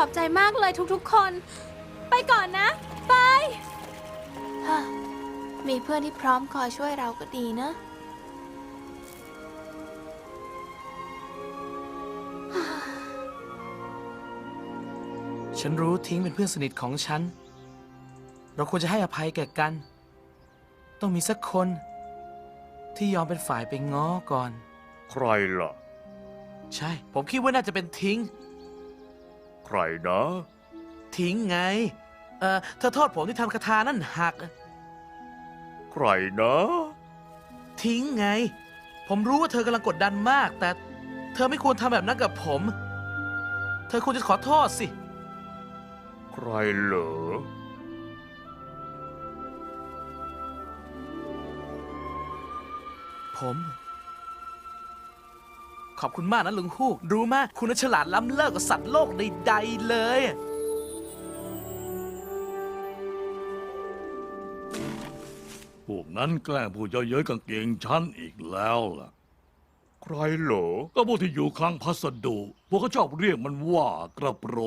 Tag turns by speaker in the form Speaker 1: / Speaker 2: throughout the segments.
Speaker 1: อบใจมากเลยทุกๆคน ไปก่อนนะ ไปมีเพื่อนที่พร้อมคอยช่วยเราก็ดีนะ
Speaker 2: ฉันรู้ทิ้งเป็นเพื่อนสนิทของฉัน เราควรจะให้อภัยแก่กัน ต้องมีสักคนที่ยอมเป็นฝ่ายไปง้อก่อน
Speaker 3: ใครล่ะ
Speaker 2: ใช่ ผมคิดว่าน่าจะเป็นทิ้ง
Speaker 3: ใครนะ
Speaker 2: ทิ้งไง เธอโทษผมที่ทำคาถานั่นหัก
Speaker 3: ใครนะ
Speaker 2: ทิ้งไง ผมรู้ว่าเธอกำลังกดดันมาก แต่เธอไม่ควรทำแบบนั้นกับผม เธอควรจะขอโทษสิ
Speaker 3: ใครเหรอ
Speaker 2: ผม ขอบคุณมากนะลุงฮูก รู้มากคุณน่ะฉลาดล้ำเลิศกว่าสัตว์โลกใดๆเลย
Speaker 4: พวกนั้นแกล้งพูดเย้ยๆกางเกงฉันอีกแล้วล่ะ
Speaker 3: ใครเหรอ
Speaker 4: ก็พวกที่อยู่คลังพัสดุ พวกเขาชอบเรียกมันว่ากระโปรง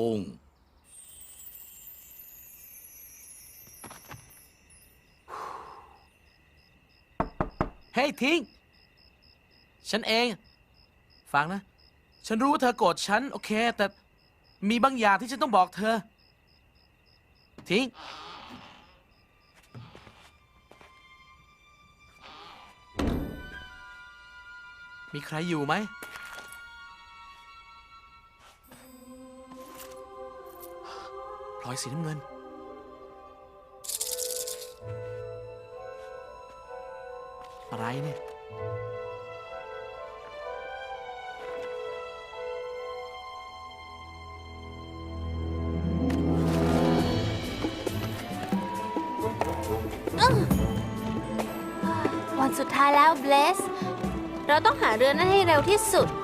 Speaker 2: เฮ้ยทิ้ง ฉันเอง ฟังนะ ฉันรู้ว่าเธอโกรธฉัน โอเค แต่มีบางอย่างที่ฉันต้องบอกเธอ ทิ้ง มีใครอยู่ไหม พลอยสีน้ำเงิน อะไรเนี่ย
Speaker 1: วันสุดท้ายแล้วเบลส เราต้องหาเรือนั้นให้เร็วที่สุด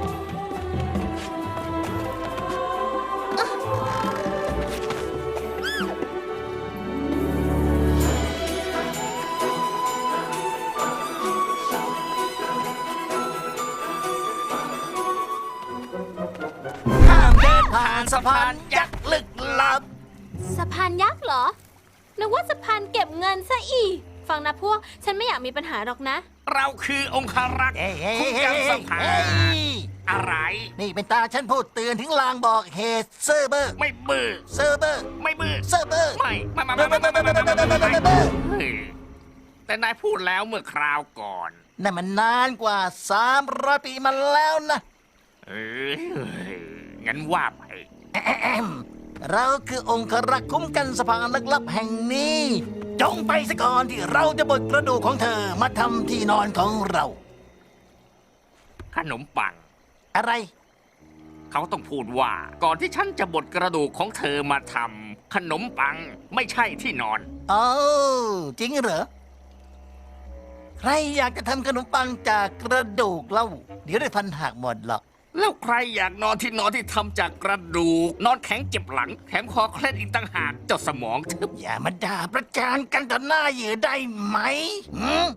Speaker 5: ห้ามเดินผ่านสะพานยักษ์ลึกลับ
Speaker 1: สะพานยักษ์เหรอ นึกว่าสะพานเก็บเงินซะอีก ฟังนะพวก ฉันไม่อยากมีปัญหาหรอกนะ
Speaker 5: เราคือองคารักษ์คุ้มกันสะพานอะไร
Speaker 6: นี่เป็นตาฉันพูดเตือนถึงลางบอกเหตุเซอร์เบอร์
Speaker 5: ไม่บื้อ
Speaker 6: เซอร์เบอร์
Speaker 5: ไม่บื้อ
Speaker 6: เซอร์เบอร์
Speaker 5: ไม่เฮ้ยแต่นายพูดแล้วเมื่อคราวก่อน
Speaker 6: นั่นมันนานกว่า300 ปีมาแล้วนะ
Speaker 5: เอ้ยงั้นว่าไป
Speaker 6: เราคือองครักษ์คุ้มกันสะพานลึกลับแห่งนี้ จงไปซะก่อนที่เราจะบดกระดูกของเธอมาทำที่นอนของเรา
Speaker 5: ขนมปัง
Speaker 6: อะไร
Speaker 5: เขาต้องพูดว่า ก่อนที่ฉันจะบดกระดูกของเธอมาทำขนมปังไม่ใช่ที่นอน
Speaker 6: โอ้จริงเหรอ ใครอยากจะทำขนมปังจากกระดูกเล่า เดี๋ยวได้ฟันหักหมดหรอก
Speaker 5: แล้วใครอยากนอนที่นอนที่ทำจากกระดูก นอนแข็งเจ็บหลังแถมคอเคล็ดอีกต่างหากเจ้าสมองทึบ
Speaker 6: อย่ามาด่าประจานกันต่อหน้าเหยื่อได้ไหมหืม